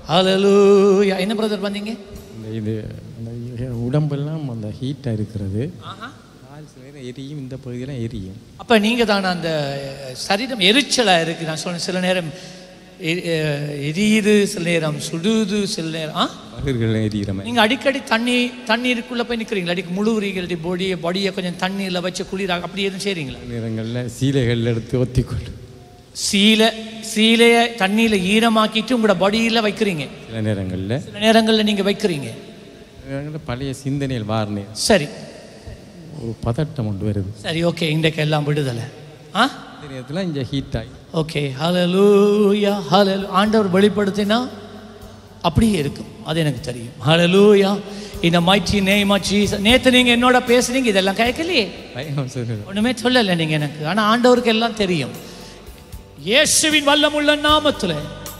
ஹல்லேலூயா. என்ன பிரதர் வந்தீங்க? இது உடம்பெல்லாம் அந்த ஹீட்டாக இருக்கிறது, கால் சில நேரம் எரியும், இந்த பகுதியெல்லாம் எரியும். அப்போ நீங்கள் தானே அந்த சரீரம் எரிச்சலாக இருக்குது. நான் சொன்னேன் சில நேரம் எரியுது, சில நேரம் சுடுது, சில நேரம் பகிர்கள் எரியிற மாதிரி. நீங்கள் அடிக்கடி தண்ணீருக்குள்ளே போய் நிற்கிறீங்களா? அடிக்க முழுவுறீங்க, பாடியை கொஞ்சம் தண்ணியில் வச்சு குளிராக அப்படி எதுவும் செய்கிறீங்களா? நேரங்களில் சீலைகள் எடுத்து ஒத்திக்கொள்ளும். சீலையை தண்ணியில் ஈரமாக்கிட்டு உங்களோட பாடியில் வைக்கிறீங்க. சில நேரங்களில் நீங்கள் வைக்கிறீங்க. பழைய சிந்தனையில் வாரணே சரி, ஒரு பதட்டம் கொண்டு வருது. சரி, ஓகே, இன்றைக்கு எல்லாம் விடுதலை. இந்த நேரத்தில் இங்கே ஹீட் ஆகி ஓகே. ஹல்லேலூயா, ஹல்லேலூயா. ஆண்டவர் வெளிப்படுத்தினா அப்படியே இருக்கும், அது எனக்கு தெரியும். ஹல்லேலூயா. இந்த mighty name of Jesus. நேற்று நீங்கள் என்னோட பேசுனீங்க, இதெல்லாம் கேட்கலையே, ஒன்றுமே சொல்லலை நீங்கள் எனக்கு. ஆனால் ஆண்டவருக்கு எல்லாம் தெரியும். இயேசுவின் வல்லமுள்ள நாமத்தில்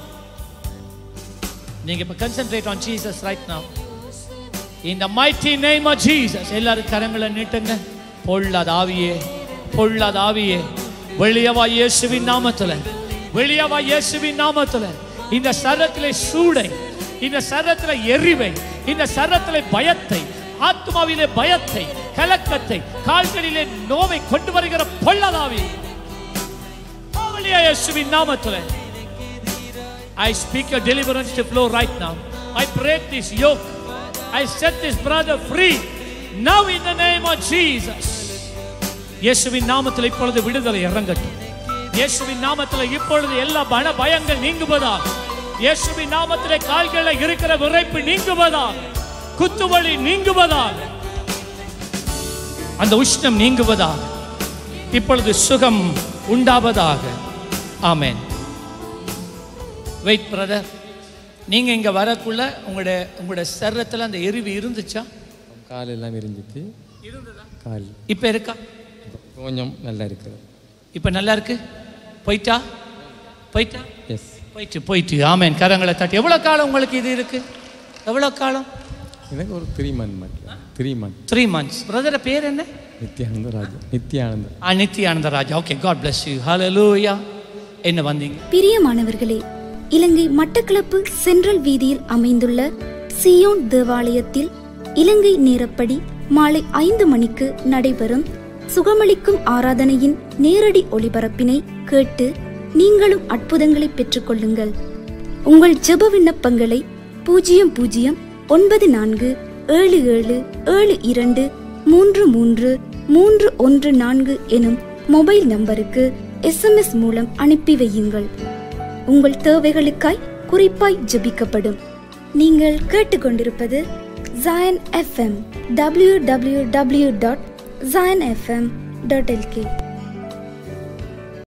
நீங்கள் இப்போ concentrate on Jesus right now. In the mighty name of Jesus. எல்லாரும் கரங்களை நீட்டுங்க. பொல்லாத ஆவியே, பொல்லாத ஆவியே, வெளியவா இயேசுவின் நாமத்தில், வெளியவா இயேசுவின் நாமத்தில். இந்த சரத்திலே சூடை, இந்த சரத்திலே எரிவை, இந்த சரத்திலே பயத்தை, ஆத்மாவிலே பயத்தை, கலக்கத்தை, கால்களிலே நோவை கொண்டு வருகிற பொல்லாத ஆவி இயேசுவின் நாமத்தில். I speak your deliverance to flow right now. I break this yoke. I set this brother free now in the name of Jesus. இயேசுவின் நாமத்தில் இப்பொழுது விடுதலை இறங்கட்டும். இயேசுவின் நாமத்தில் இப்பொழுது எல்லா பயங்கள் நீங்குவதாக. இயேசுவின் நாமத்தில் கால்களில் இருக்கிற விரைப்பு நீங்குவதாக, குத்துவலி நீங்குவதாக, அந்த உஷ்ணம் நீங்குவதாக, இப்பொழுது சுகம் உண்டாவதாக. ஆமென். வெயிட் பிரதர், நீங்கள் இங்கே வரக்குள்ள உங்களோட சரீரத்தில் அந்த எரிவு இருந்துச்சா? கால் எல்லாம் எரிஞ்சிட்டு இருந்ததா? கால் இப்போ இருக்கா? கொஞ்சம் நல்லா இருக்கு. இப்போ நல்லா இருக்கு. போயிட்டா? எஸ், போயிட்டு. ஆமென். கரங்களை தட்டி. எவ்வளோ காலம் உங்களுக்கு இது இருக்கு? எவ்வளோ காலம்? எனக்கு ஒரு 3 months. 3 months. பிரதர் பேர் என்ன? Nithyananda Raja. Okay, God bless you. Hallelujah. என்ன வந்தீங்க? பிரியமானவர்களே, இலங்கை மட்டக்களப்பு சென்ட்ரல் வீதியில் அமைந்துள்ள சியோன் தேவாலயத்தில் இலங்கை நேரப்படி மாலை 5 மணிக்கு நடைபெறும் சுகமளிக்கும் ஆராதனையின் நேரடி ஒளிபரப்பினை கேட்டு நீங்களும் அற்புதங்களை பெற்றுக்கொள்ளுங்கள். உங்கள் ஜெப விண்ணப்பங்களை 009477723314 எனும் மொபைல் நம்பருக்கு SMS மூலம் அனுப்பி வையுங்கள். உங்கள் தேவைகளுக்காய் குறிப்பாய் ஜெபிக்கப்படும். நீங்கள் கேட்டுக்கொண்டிருப்பது Zion FM. www.zionfm.lk